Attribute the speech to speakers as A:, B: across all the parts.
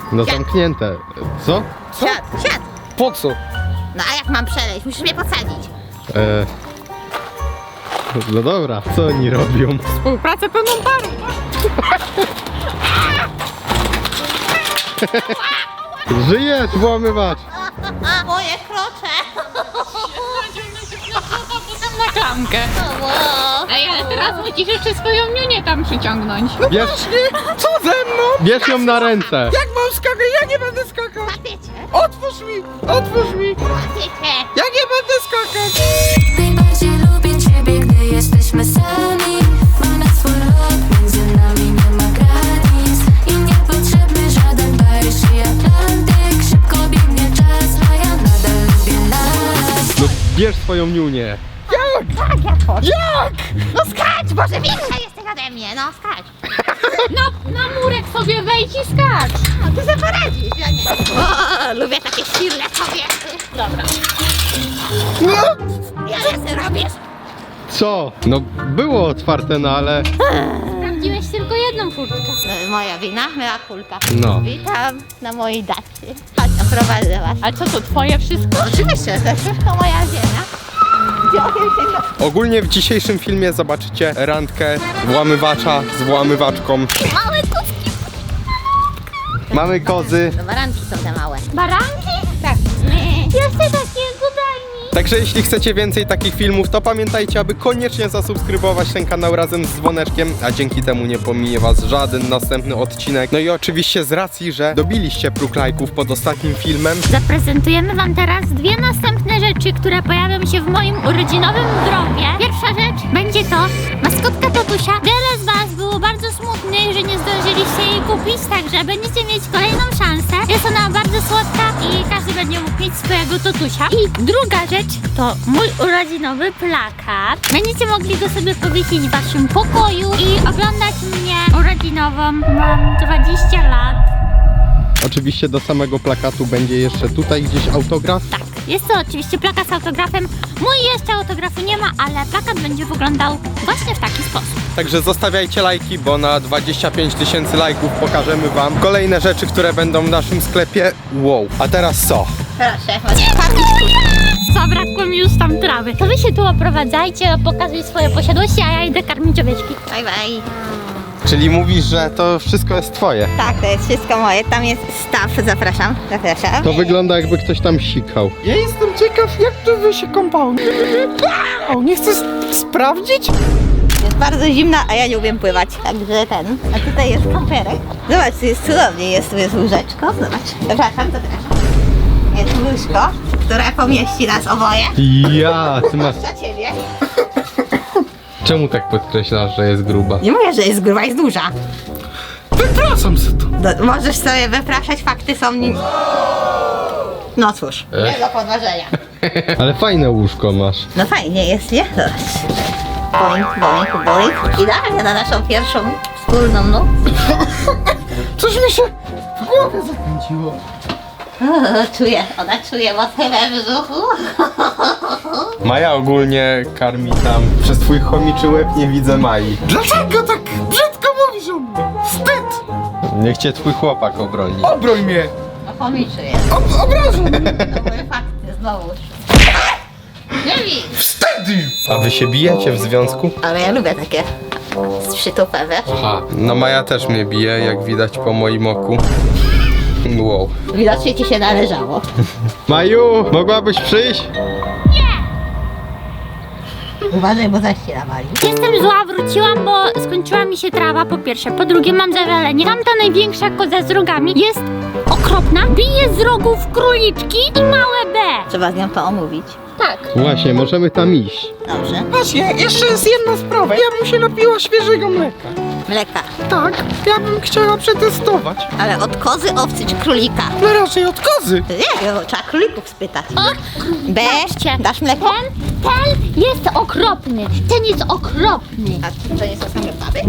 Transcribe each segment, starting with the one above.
A: No zamknięte. Co?
B: Siad.
C: Po co?
B: No a jak mam przeleźć? Musisz mnie podsadzić.
A: No dobra, co oni robią?
B: Współpracę pełną parą.
A: Żyjesz, włamywacz!
B: Moje krocze.
D: Na klamkę. Ej, ale teraz musisz jeszcze swoją niunię tam przyciągnąć.
A: Bierz,
C: Co ze mną?
A: bierz ją na ręce!
C: Jak mam skakać? Ja nie będę skakał!
B: Łapiecie.
C: Otwórz mi! Otwórz mi!
B: Łapiecie.
C: Ja nie będę skakać!
E: Najbardziej lubię ciebie, gdy jesteśmy sami. Ma nas swój rok, między nami nie ma granic. I niepotrzebny żaden Paryż i Atlantyk. Szybko biegnie czas, a ja nadal lubię nas.
A: No bierz swoją niunię!
B: Tak, jak chcesz.
C: Jak?
B: No skacz, Boże, większa jesteś ode mnie. No skacz.
D: No, na murek sobie wejdź i skacz.
B: No ty sobie poradzisz, ja nie. O, lubię takie silne kobiety. Dobra.
C: No!
B: Ja wiem, co robisz.
A: Co? No było otwarte, no ale...
D: Sprawdziłeś tylko jedną furtkę.
B: No, moja wina, myła kulka.
A: No.
B: Witam na mojej dacie. Chodź, oprowadzę was.
D: A co to, twoje wszystko?
B: Oczywiście, to wszystko moja ziemia.
A: Ogólnie w dzisiejszym filmie zobaczycie randkę włamywacza z włamywaczką.
B: Małe kucki.
A: Mamy kozy.
B: No baranki są te małe.
D: Baranki?
B: Tak.
D: Ja chcę takiego, daj mi.
A: Także jeśli chcecie więcej takich filmów, to pamiętajcie, aby koniecznie zasubskrybować ten kanał razem z dzwoneczkiem, a dzięki temu nie pominie was żaden następny odcinek. No i oczywiście z racji, że dobiliście próg lajków pod ostatnim filmem,
D: Zaprezentujemy wam teraz dwie następne rzeczy, które pojawią się w moim urodzinowym dropie. Pierwsza rzecz będzie to maskotka tatusia. Wiele z was było bardzo smutnych, że nie zdążyliście jej kupić, także będziecie mieć kolejną szansę. Jest ona bardzo słodka i każdy będzie mógł mieć swojego tatusia. I druga rzecz to mój urodzinowy plakat. Będziecie mogli go sobie powiesić w waszym pokoju i oglądać mnie urodzinową. Mam 20 lat.
A: oczywiście do samego plakatu będzie jeszcze tutaj gdzieś autograf.
D: Tak, jest to oczywiście plakat z autografem. Mój jeszcze autografu nie ma, ale plakat będzie wyglądał właśnie w taki sposób.
A: Także zostawiajcie lajki, bo na 25 000 lajków pokażemy wam kolejne rzeczy, które będą w naszym sklepie. Wow. A teraz co?
B: Proszę,
D: Zabrakło mi już tam trawy. To wy się tu oprowadzajcie, pokazuj swoje posiadłości, a ja idę karmić owieczki.
B: bye bye.
A: Czyli mówisz, że to wszystko jest twoje.
B: Tak, to jest wszystko moje. Tam jest staw, zapraszam.
A: To wygląda, jakby ktoś tam sikał.
C: Ja jestem ciekaw, jak to wy się kąpało. O, nie chcesz sprawdzić?
B: Jest bardzo zimna, a ja nie umiem pływać. Także ten. A tutaj jest kamperek. Zobacz, tu jest cudownie. Jest, tu jest łóżeczko. Zobacz. Zapraszam. Jest łóżko, które pomieści nas oboje.
A: Ja, ty masz...
B: Za ciebie.
A: Czemu tak podkreślasz, że jest gruba?
B: Nie mówię, że jest gruba, jest duża.
C: Wypraszam se to.
B: Możesz sobie wypraszać, fakty są... No cóż, nie do podważenia.
A: Ale fajne łóżko masz.
B: No fajnie jest, nie? Zobacz. Boing, boing, boing. Idealnie na naszą pierwszą wspólną noc.
C: Coś mi się w głowie zakręciło.
B: Czuję, ona czuje mocno we brzuchu.
A: Maja ogólnie karmi tam. Przez twój chomiczy łeb nie widzę Mai.
C: Dlaczego tak brzydko mówisz o mnie? Wstyd!
A: Niech cię twój chłopak obroni.
C: Obroń mnie!
B: No pomiczy jest.
C: Obrażam mnie!
B: To były fakty, znowu. Nie wiem.
C: Wstedy!
A: A wy się bijecie w związku?
B: Ale ja lubię takie z przytupem, wiesz?
A: Aha. No Maja też mnie bije, jak widać po moim oku. Wow.
B: Widocznie ci się należało.
A: Maju, mogłabyś przyjść?
B: Uważaj, bo zaś się nawali.
D: Jestem zła, wróciłam, bo skończyła mi się trawa po pierwsze. Po drugie mam zażalenie. Tamta największa koza z rogami jest okropna. Bije z rogów króliczki i małe B.
B: Trzeba z nią to omówić.
D: Tak.
A: Właśnie, możemy tam iść.
B: Dobrze.
C: Właśnie, jeszcze jest jedna sprawa. Ja bym się napiła świeżego mleka.
B: Mleka.
C: Tak, ja bym chciała przetestować.
B: Ale od kozy, owcy czy królika?
C: No raczej od kozy.
B: Nie, trzeba królików spytać. B,
D: Patrzcie.
B: dasz mleko?
D: Ten jest okropny. Ten jest okropny.
B: A to nie są same baby?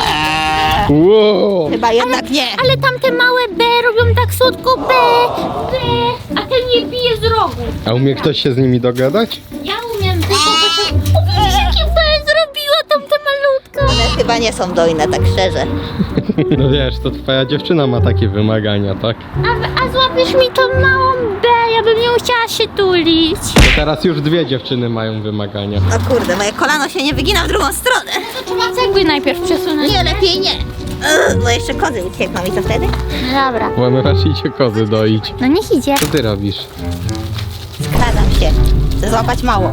A: Wow.
B: Chyba jednak nie.
D: Ale tamte małe B robią tak słodko B, a ten nie bije z rogu.
A: A umie ktoś się z nimi dogadać?
D: Ja umiem, tylko jakie B zrobiła tamta malutka.
B: One chyba chyba nie są dojne, tak szczerze.
A: No wiesz, to twoja dziewczyna ma takie wymagania, tak?
D: A złapiesz mi tą małą B, ja bym nie chciała się tulić.
A: To teraz już dwie dziewczyny mają wymagania.
B: O kurde, moje kolano się nie wygina w drugą stronę.
D: To trzeba cegły najpierw przesunąć.
B: Nie, lepiej nie. Bo jeszcze kozy uciekną i co wtedy?
D: Dobra.
A: Łamywasz idzie kozy doić.
D: No niech idzie.
A: Co ty robisz?
B: Skradam się. Chcę złapać małą.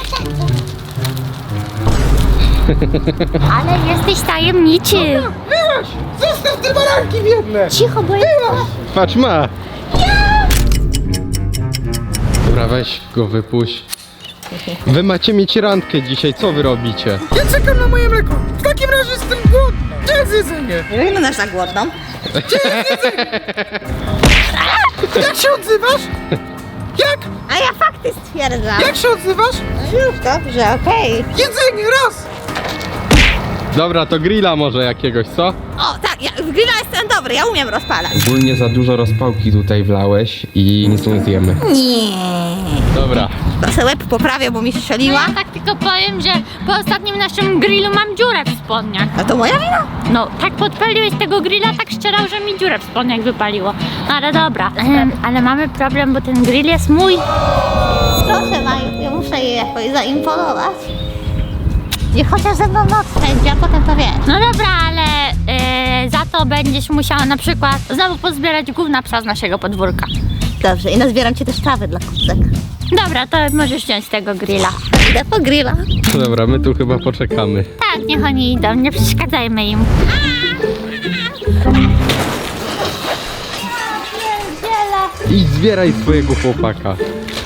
D: Ale jesteś tajemniczy.
C: Byłaś! Zostaw te baranki biedne!
D: Cicho, bo jest...
A: Patrz, ma! Dobra, weź go wypuść. Wy macie mieć randkę dzisiaj, co wy robicie?
C: Ja czekam na moje mleko! W takim razie jestem głodny! Gdzie jest jedzenie?
B: Nie wyglądasz na głodną.
C: Jak się odzywasz? Jak?
B: A ja fakty stwierdzam.
C: Jak się odzywasz?
B: No już dobrze, okej.
C: Jedzenie, raz!
A: Dobra, to grilla może jakiegoś, co?
B: O, tak, ja, w grilla jestem dobry, ja umiem rozpalać.
A: Ogólnie za dużo rozpałki tutaj wlałeś i nic nie zjemy.
B: Nie.
A: Dobra.
B: To se łeb poprawię, bo mi
D: No
B: strzeliła.
D: ja tak tylko powiem, że po ostatnim naszym grillu mam dziurę w spodniach.
B: A to moja wina?
D: No, tak podpaliłeś tego grilla, tak szczerał, że mi dziurę w spodniach wypaliło. No ale dobra. Ale mamy problem, bo ten grill jest mój.
B: Proszę Maju, ja muszę jej jakoś zaimponować. Niech chociaż ze mną noc spędzi, a potem to wiesz.
D: No dobra, ale za to będziesz musiała na przykład znowu pozbierać gówna psa z naszego podwórka.
B: Dobrze, i nazbieram ci też trawy dla kucek.
D: Dobra, to możesz wziąć tego grilla.
B: Idę po grilla.
A: Dobra, my tu chyba poczekamy.
D: Tak, niech oni idą, nie przeszkadzajmy im.
A: Idź zbieraj swojego chłopaka.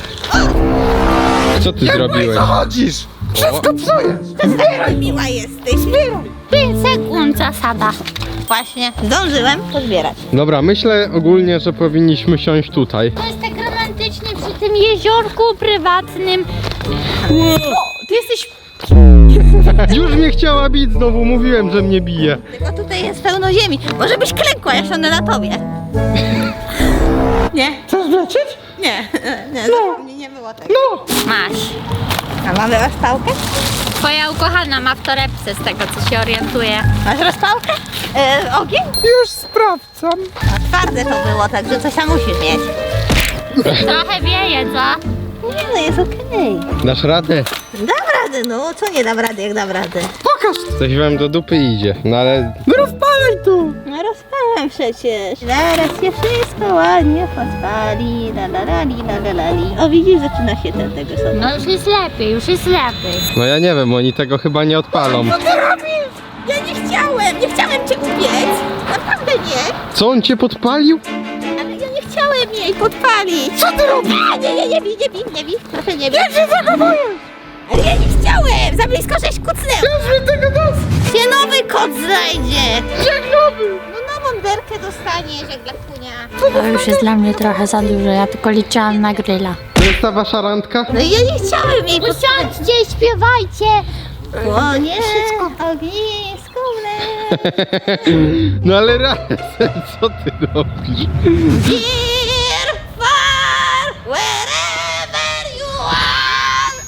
A: Co ty zrobiłeś?
C: Zachodzisz! Wszystko psujesz!
B: Miła jesteś.
D: 5 sekund zasada.
B: Właśnie, zdążyłem pozbierać.
A: Dobra, myślę ogólnie, że powinniśmy siąść tutaj.
D: To jest tak romantycznie przy tym jeziorku prywatnym. O, ty jesteś...
A: Już mnie chciała bić znowu, mówiłem, że mnie bije.
B: Tylko tutaj jest pełno ziemi. Może byś klękła, ja siądę na tobie. Nie,
C: Chcesz wlecieć?
B: nie, zapomnij, nie było tego.
C: No!
D: Masz.
B: A mamy rozpałkę?
D: Twoja ukochana ma w torebce, z tego co się orientuję.
B: Masz rozpałkę? Ogień?
C: Już sprawdzam.
B: No, twarde to było, także coś tam musisz mieć.
D: Trochę wieje, co?
B: Nie, no jest okej.
A: Dasz radę?
B: Dam radę, no. Co nie dam rady, jak dam radę?
C: Pokaż!
A: Coś wam do dupy idzie, no ale...
C: No rozpalaj tu!
B: No rozpalam przecież. Zaraz się wszystko ładnie podpali. La la la li, la la la li. O widzisz, zaczyna się ten tego sobie.
D: No już jest lepiej, już jest lepiej.
A: No ja nie wiem, oni tego chyba nie odpalą.
B: Co ty robisz? Ja nie chciałem cię upiec. Naprawdę nie.
A: Co, on cię podpalił?
B: Ale ja nie chciałem jej podpalić. Co ty robisz? Nie bij. Proszę nie bij. Ja się zachowuję. Ale ja nie chciałem. Za blisko żeś kucnęła.
C: Już tego dosyć!
B: Się nowy kot znajdzie.
C: Jak nowy!
B: No nową derkę dostaniesz, jak dla kunia.
D: To już jest dla mnie trochę za dużo, ja tylko liczyłam na grilla.
A: To jest ta wasza randka?
B: No i ja nie chciałem jej podpalić.
D: Usiądźcie i śpiewajcie!
B: Płonie ognisko w lesie.
A: No ale razem, co ty robisz?
B: Dear far, wherever you are.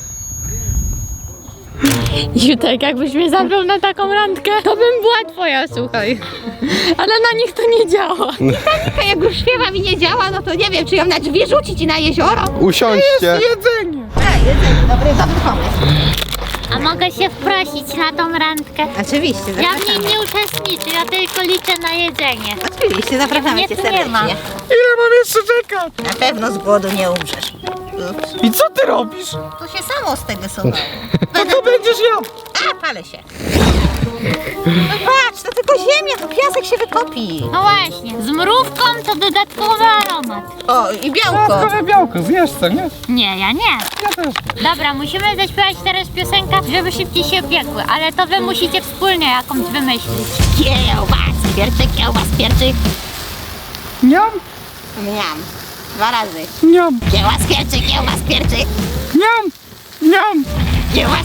D: Jutek, jakbyś mnie zabrał na taką randkę, to bym była twoja, słuchaj. Ale na nich to nie działa.
B: Taka jak już śpiewa mi nie działa, no to nie wiem, czy ją na drzwi rzucić i na jezioro.
A: Usiądźcie.
C: Jedzenie!
B: Jedzenie, dobry pomysł.
D: A mogę się wprosić na tą randkę?
B: Oczywiście,
D: Ja w niej
B: zapraszamy.
D: nie uczestniczę, ja tylko liczę na jedzenie.
B: Oczywiście, zapraszamy
D: Nie,
B: cię
D: tu nie ma.
B: serdecznie.
C: Ile mam jeszcze czekać?
B: Na pewno z głodu nie umrzesz. Ups.
C: I co ty robisz?
B: To się samo z tego suwa.
C: To co będziesz jadł?
B: A, palę się. No patrz, to tylko ziemia, to piasek się wykopi.
D: No właśnie, z mrówką to dodatkowy aromat.
B: O, i białko.
C: Dodatkowe białko, zjesz co, nie?
D: Nie, ja nie.
C: Ja też.
D: Dobra, musimy zaśpiewać teraz piosenkę, żeby szybciej się piekły, ale to wy musicie wspólnie jakąś wymyślić.
B: Kiełbas, pierczyk.
C: Niam,
B: Miam. 2 razy.
C: niam,
B: Kiełbas, pierczyk.
C: niam, niam.
B: Kiełbas,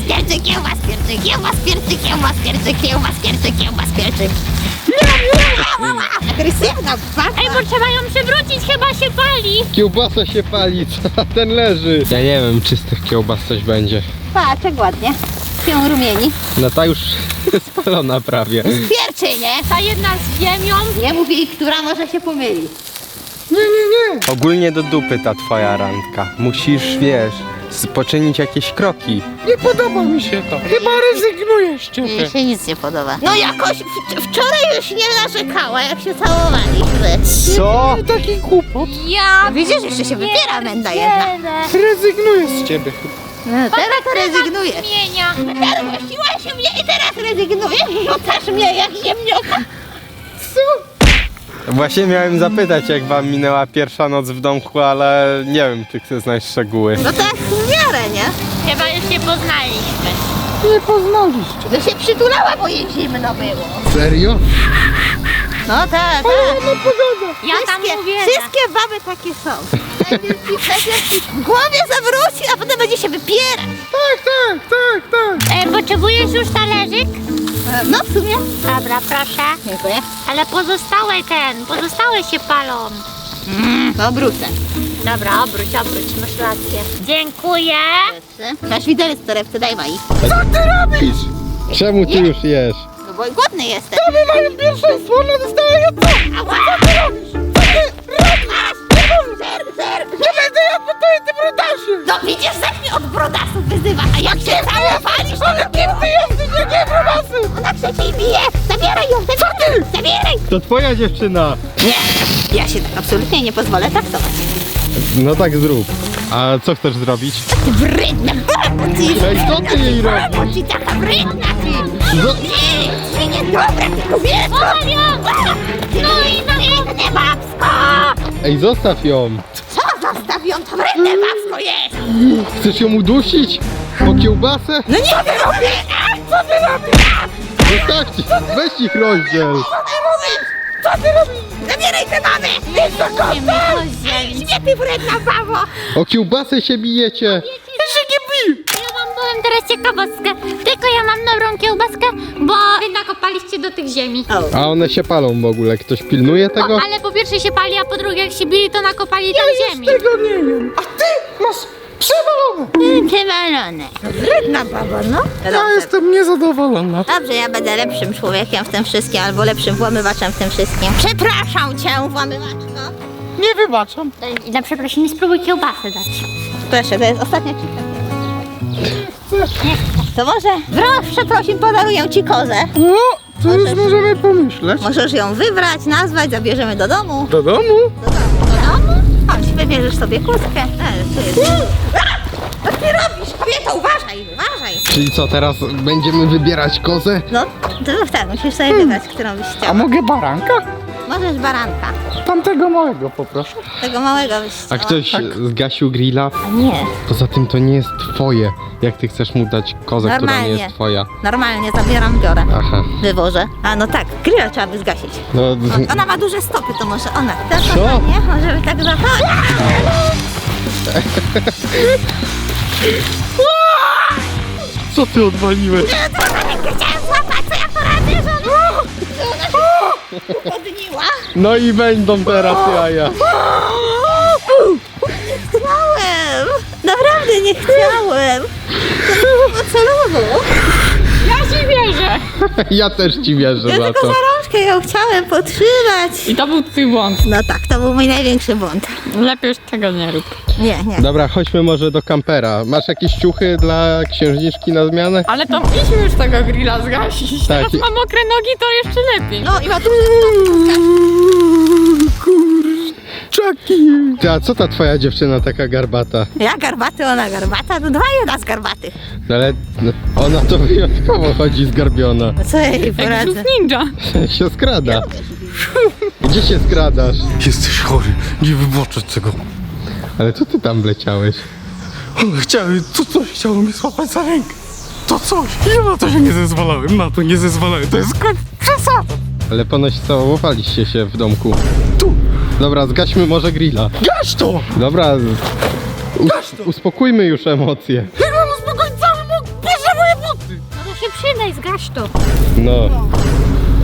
B: pierczyk. Agresywna,
D: Ej, bo trzeba ją przewrócić, chyba się pali.
A: Kiełbasa się pali, co ten leży? Ja nie wiem, czy z tych kiełbas coś będzie.
B: Patrz, jak ładnie. się rumieni.
A: No ta już spalona prawie.
B: Pierwszy, nie?
D: Ta jedna z ziemią.
B: Nie mów jej, która może się pomyli.
A: Ogólnie do dupy ta twoja randka. Musisz, wiesz, poczynić jakieś kroki.
C: Nie podoba mi się to. Chyba rezygnuję z ciebie.
B: Jej się nic nie podoba. No jakoś wczoraj już nie narzekała, jak się całowaliśmy.
A: Co?
C: Taki głupot.
D: Ja
B: Widzisz, jeszcze się wypiera menda jedna.
C: Rezygnuję z ciebie chyba.
B: No, teraz rezygnujesz.
D: Zmienia.
B: Perłościłaś mnie i teraz rezygnujesz? Rzucasz mnie jak ziemnioka.
A: Właśnie miałem zapytać, jak wam minęła pierwsza noc w domku, ale nie wiem, czy chcesz znać szczegóły.
B: No tak w miarę, nie?
D: Chyba już się poznaliśmy.
C: Nie poznaliście.
B: Że się przytulała, bo jej zimno było.
A: Serio?
B: No tak,
C: No pogoda.
D: Ja tam mówię.
B: Wszystkie baby takie są. Najpierw ci w głowie zawróci, a potem będzie się wypierać.
C: Tak.
D: Potrzebujesz już talerzyk?
B: No w sumie.
D: Dobra, proszę.
B: Dziękuję.
D: Ale pozostałe się palą.
B: To obrócę.
D: Dobra, obróć, masz rację. Dziękuję.
B: Masz widelec w torebce, daj Mai.
C: Robisz.
A: Czemu ty już jesz?
B: No bo głodny jestem.
C: My mamy pierwszeństwo, ona dostała jedno.
B: Ała! Co ty robisz?
C: Nie będę ja pytać tym brudasie.
B: No widzisz, zaś mnie od brodasów wyzywa, a jak się całowalisz, to
C: Kim ty jesteś, jakie brudasy?
B: ona przecież bije. Zabieraj ją, zabieraj.
A: To twoja dziewczyna.
B: Nie, ja się tak absolutnie nie pozwolę traktować.
A: No tak zrób. A co chcesz zrobić?
B: Ty wredna babo, ty.
A: Ej, co ty jej robisz?
B: Babo, ty taka wredna, ty.
A: No.
B: Ty niedobra, ty kobieto. No i wredne babsko.
A: Ej, zostaw ją.
B: Co zostaw ją, to wredne babsko jest.
A: Chcesz ją udusić? O kiełbasę?
B: No nie, co ty robisz? Co ty robisz?
A: Zostawcie, weź ich rozdziel.
B: Co ty robisz? Co ty robisz? Zabieraj te mamy. Idź do kąta. Idź mnie, ty wredna babo.
A: O kiełbasę się bijecie.
D: Ja wam powiem teraz ciekawostkę. Tylko ja mam dobrą kiełbaskę, bo wy nakopaliście do tych ziemi.
A: A one się palą w ogóle. Ktoś pilnuje tego?
D: Ale po pierwsze się pali, a po drugie jak się bili, to nakopali tam ziemi.
C: Tego nie wiem. A ty masz przewalone.
B: Przewalone. Wredna babo, no.
C: Ja jestem niezadowolona.
B: Dobrze, ja będę lepszym człowiekiem w tym wszystkim, albo lepszym włamywaczem w tym wszystkim. Przepraszam cię, włamywaczko.
C: Nie wybaczam.
D: I na przeprosiny spróbuj kiełbasę dać.
B: Proszę, to jest ostatnia cika. To może w przeprosin podaruję ci kozę.
C: No, to już możemy pomyśleć.
B: Możesz ją wybrać, nazwać, zabierzemy do domu.
C: Do domu?
B: Do domu? Chodź, wybierzesz sobie kózkę. Co ty robisz? Kobieto, uważaj.
A: Czyli co, teraz będziemy wybierać kozę?
B: No, to tak, musisz sobie wybrać, którą byś
C: A
B: chciał.
C: mogę baranka?
B: Możesz baranka.
C: Tamtego małego poproszę.
B: Tego małego byś
A: A
B: chciała.
A: ktoś zgasił grilla?
B: A nie,
A: Poza tym to nie jest twoje. Jak ty chcesz mu dać kozę, która nie
B: Normalnie.
A: jest twoja?
B: normalnie zabieram, biorę.
A: Aha.
B: Wywożę. A no tak, grilla trzeba by zgasić.
A: No,
B: Ona ma duże stopy, to może ona. Tak,
A: Co?
B: nie? Może by tak zapalić.
A: co ty odwaliłeś?
B: Chciałam złapać, co ja poradzę, że ona się podniła.
A: No i będą teraz jaja.
B: Chciałem. Naprawdę nie chciałem. To nie było celowo.
D: Ja ci wierzę.
A: Ja też ci wierzę
B: Ja
A: za
B: tylko
A: to.
B: za rączkę ją chciałem podtrzymać.
D: I to był twój błąd.
B: No tak, to był mój największy błąd.
D: Lepiej już tego nie rób.
B: Nie, nie.
A: Dobra, chodźmy może do kampera. Masz jakieś ciuchy dla księżniczki na zmianę?
F: Ale to idźmy już tego grilla zgasić.
A: Tak.
F: Teraz mam mokre nogi, to jeszcze lepiej.
B: No i ma tu...
C: Czaki.
A: Ty, a co ta twoja dziewczyna taka garbata?
B: Ja garbaty, ona garbata, to 2 jedna z garbatych.
A: No ale no, ona to wyjątkowo chodzi zgarbiona.
B: No co ja jej
F: Jak
B: poradzę?
F: żółw ninja.
A: się skrada. Gdzie się skradasz?
C: Jesteś chory, nie wybaczę tego.
A: Ale co ty tam wleciałeś?
C: Coś chciało mnie złapać za rękę. To coś. Ja na to się nie zezwalałem, To jest przesada.
A: Ale ponoć całowaliście się w domku.
C: Tu,
A: Dobra, zgaśmy może grilla.
C: gaś to.
A: Dobra, uspokójmy już emocje.
C: Jak mam uspokoić cały mógł, bierze moje buty.
D: No to się przydaj, zgaś to.
A: No,
D: Każdy,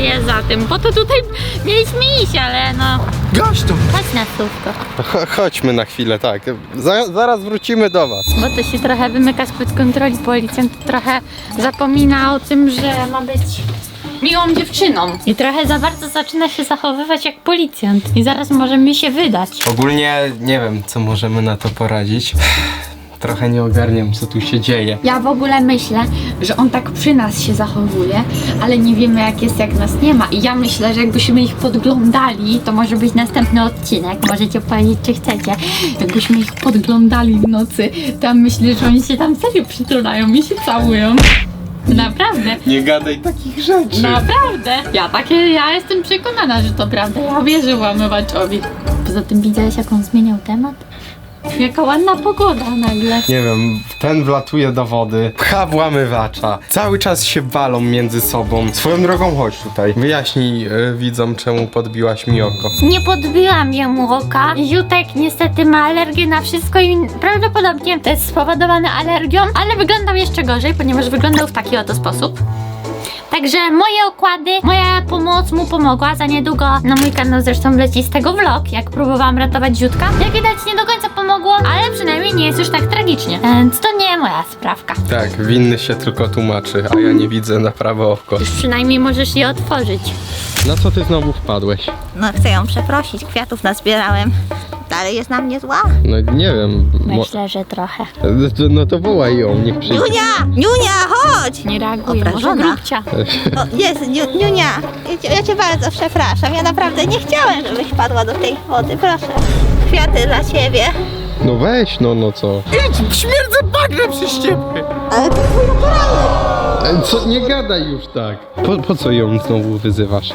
D: jest za tym, bo to tutaj mieliśmy iść, ale no,
C: Gaś to!
D: chodź na słówko.
A: Chodźmy na chwilę, tak. Zaraz wrócimy do was.
D: Bo to się trochę wymyka spod kontroli, policjant trochę zapomina o tym, że ma być miłą dziewczyną. I trochę za bardzo zaczyna się zachowywać jak policjant. I zaraz możemy się wydać.
A: Ogólnie nie wiem, co możemy na to poradzić. Trochę nie ogarniam, co tu się dzieje.
G: Ja w ogóle myślę, że on tak przy nas się zachowuje, ale nie wiemy jak jest, jak nas nie ma. I ja myślę, że jakbyśmy ich podglądali, to może być następny odcinek. Możecie powiedzieć, czy chcecie. Jakbyśmy ich podglądali w nocy, to ja myślę, że oni się tam serio przytulają i się całują. Naprawdę.
A: Nie gadaj takich rzeczy.
G: Naprawdę. Ja jestem przekonana, że to prawda. Ja wierzę łamywaczowi. Poza tym widziałeś, jak on zmieniał temat? Jaka ładna pogoda nagle.
A: Nie wiem, ten wlatuje do wody, pcha włamywacza, cały czas się walą między sobą. Swoją drogą chodź tutaj, wyjaśnij widzom, czemu podbiłaś mi oko.
D: Nie podbiłam jemu oka. Ziutek niestety ma alergię na wszystko i prawdopodobnie to jest spowodowane alergią, ale wyglądał jeszcze gorzej, ponieważ wyglądał w taki oto sposób. Także moje okłady, moja pomoc mu pomogła. Za niedługo na mój kanał zresztą leci z tego vlog, jak próbowałam ratować Ziutka. Jak widać, nie do końca pomogło, ale przynajmniej nie jest już tak tragicznie. Więc to nie moja sprawka.
A: Tak, winny się tylko tłumaczy, a ja nie widzę na prawe oko.
D: Już przynajmniej możesz je otworzyć.
A: Na co ty znowu wpadłeś?
B: No chcę ją przeprosić, kwiatów nazbierałem. Dalej jest na mnie zła.
A: No nie wiem.
D: Myślę, że trochę.
A: No to wołaj ją, niech przyjdzie.
B: Niunia, chodź!
D: Nie reaguje, może
B: Obrażona.
D: grubcia.
B: O, jest, Niunia, ja cię bardzo przepraszam. Ja naprawdę nie chciałem, żebyś padła do tej wody. Proszę, kwiaty dla ciebie.
A: No weź, no co?
C: Idź, śmierdzę bagnem przez ciebie!
B: Ale to twój naturalny.
A: Co, nie gadaj już tak. Po co ją znowu wyzywasz?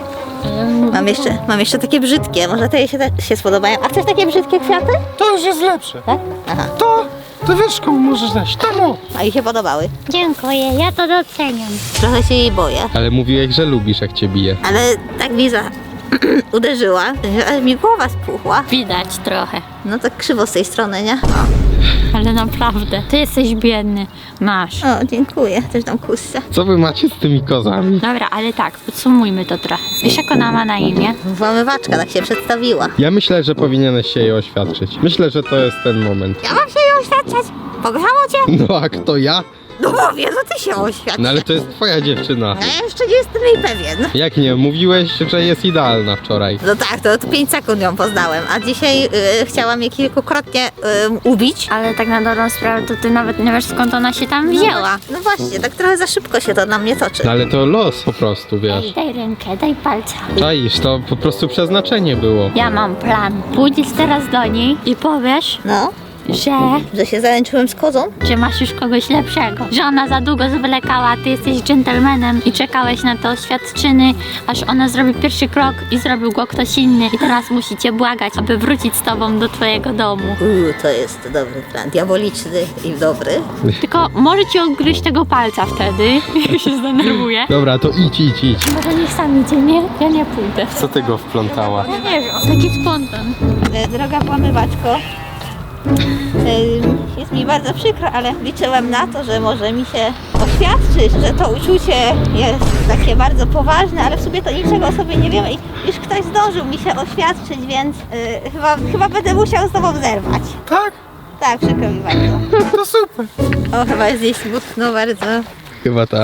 B: Mam jeszcze takie brzydkie, może te jej się spodobają. A chcesz takie brzydkie kwiaty?
C: To już jest lepsze.
B: Tak? Aha,
C: To wiesz, komu możesz dać. Temu!
B: a jej się podobały.
D: Dziękuję, ja to doceniam.
B: Trochę się jej boję.
A: Ale mówiłeś, że lubisz, jak cię bije.
B: Ale tak Liza uderzyła, że aż mi głowa spuchła.
D: Widać trochę,
B: No tak krzywo z tej strony, nie?
D: ale naprawdę, ty jesteś biedny. Masz.
B: O, dziękuję. Też dam kusce.
A: Co wy macie z tymi kozami?
D: Dobra, ale tak, podsumujmy to trochę. Wiesz, jak ona ma na imię?
B: Włamywaczka tak się przedstawiła.
A: Ja myślę, że powinieneś się jej oświadczyć. Myślę, że to jest ten moment.
B: Ja mam się jej oświadczać? Pogrzało cię?
A: No a kto ja?
B: No mówię, że ty się oświadcz.
A: No ale to jest twoja dziewczyna.
B: Ja jeszcze nie jestem jej pewien.
A: Jak nie? Mówiłeś, że jest idealna wczoraj.
B: No tak, to od 5 sekund ją poznałem, a dzisiaj chciałam je kilkukrotnie ubić.
D: Ale tak na dobrą sprawę, to ty nawet nie wiesz, skąd ona się tam wzięła.
B: No właśnie, tak trochę za szybko się to na mnie toczy.
A: No ale to los po prostu, wiesz.
D: Daj rękę, daj palca.
A: Czaisz, to po prostu przeznaczenie było.
D: Ja mam plan. Pójdziesz teraz do niej i powiesz,
B: No,
D: że
B: że się zaręczyłem z kozą?
D: masz już kogoś lepszego. Że ona za długo zwlekała, a ty jesteś dżentelmenem i czekałeś na te oświadczyny, aż ona zrobi pierwszy krok i zrobił go ktoś inny. I teraz musicie błagać, aby wrócić z tobą do twojego domu.
B: To jest dobry plan, diaboliczny i dobry.
D: Tylko może ci odgryźć tego palca wtedy, jak się zdenerwuje.
A: Dobra, to idź.
D: Może niech sam idzie, nie? Ja nie pójdę.
A: Co ty go wplątała?
D: Ja nie wiem, taki spontan.
B: Droga włamywaczko, jest mi bardzo przykro, ale liczyłem na to, że może mi się oświadczyć, że to uczucie jest takie bardzo poważne, ale w sumie to niczego o sobie nie wiemy i już ktoś zdążył mi się oświadczyć, więc chyba będę musiał z tobą zerwać.
C: Tak?
B: Tak, przykro mi bardzo.
C: To super.
B: O, chyba jest jej smutno bardzo.
A: Chyba tak.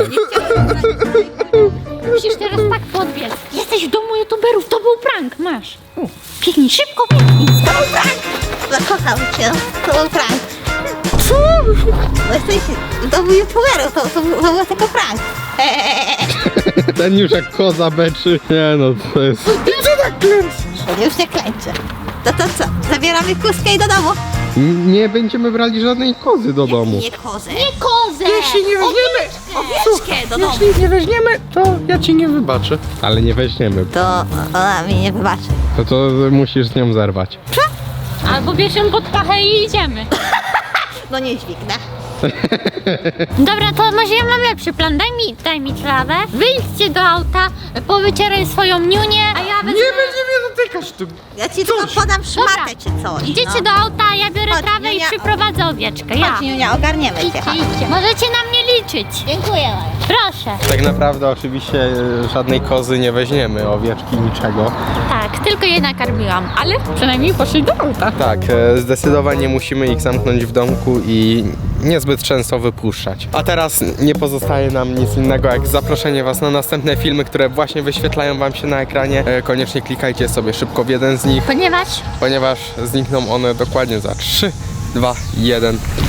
D: Musisz teraz tak podbiec. Jesteś w domu youtuberów, to był prank, masz. Biegnij, szybko biegnij.
B: To był prank! Zakochał cię, to był prank. Co? No jesteś w domu youtuberów, to był tylko prank.
A: Ten już jak koza beczy. Nie no, to jest...
B: Już nie klęczę. To co? Zabieramy kuskę i do domu.
A: Nie będziemy brali żadnej kozy do domu.
B: Nie kozę.
D: Nie kozę!
C: Jeśli nie weźmiemy,
B: Owieczkę do domu.
C: jeśli nie weźmiemy, to ja ci nie wybaczę.
A: Ale nie weźmiemy.
B: To ona mi nie wybaczy.
A: To musisz z nią zerwać.
D: Albo bierz ją pod pachę i idziemy.
B: No nie dźwignę.
D: Dobra, to może ja mam lepszy plan. Daj mi trawę. Wyjdźcie do auta, powycieraj swoją niunię, a ja wezmę...
C: Nie będziemy dotykać tu.
B: Ja ci tylko podam szmatę czy coś.
D: Idziecie
B: no.
D: do auta, ja biorę
B: Chodź,
D: trawę i
B: Niunia.
D: przyprowadzę owieczkę. Ja.
B: Chodź, Niunia, ogarniemy cię.
D: Idźcie. Możecie na mnie liczyć.
B: Dziękuję, Maja.
D: Proszę.
A: Tak naprawdę oczywiście żadnej kozy nie weźmiemy, owieczki, niczego.
D: Tak, tylko je nakarmiłam, ale
F: Przynajmniej poszli do auta.
A: Tak, zdecydowanie musimy ich zamknąć w domku i niezbyt często wypuszczać. A teraz nie pozostaje nam nic innego jak zaproszenie was na następne filmy, które właśnie wyświetlają wam się na ekranie. Koniecznie klikajcie sobie szybko w jeden z nich,
D: ponieważ
A: ponieważ znikną one dokładnie za 3, 2, 1.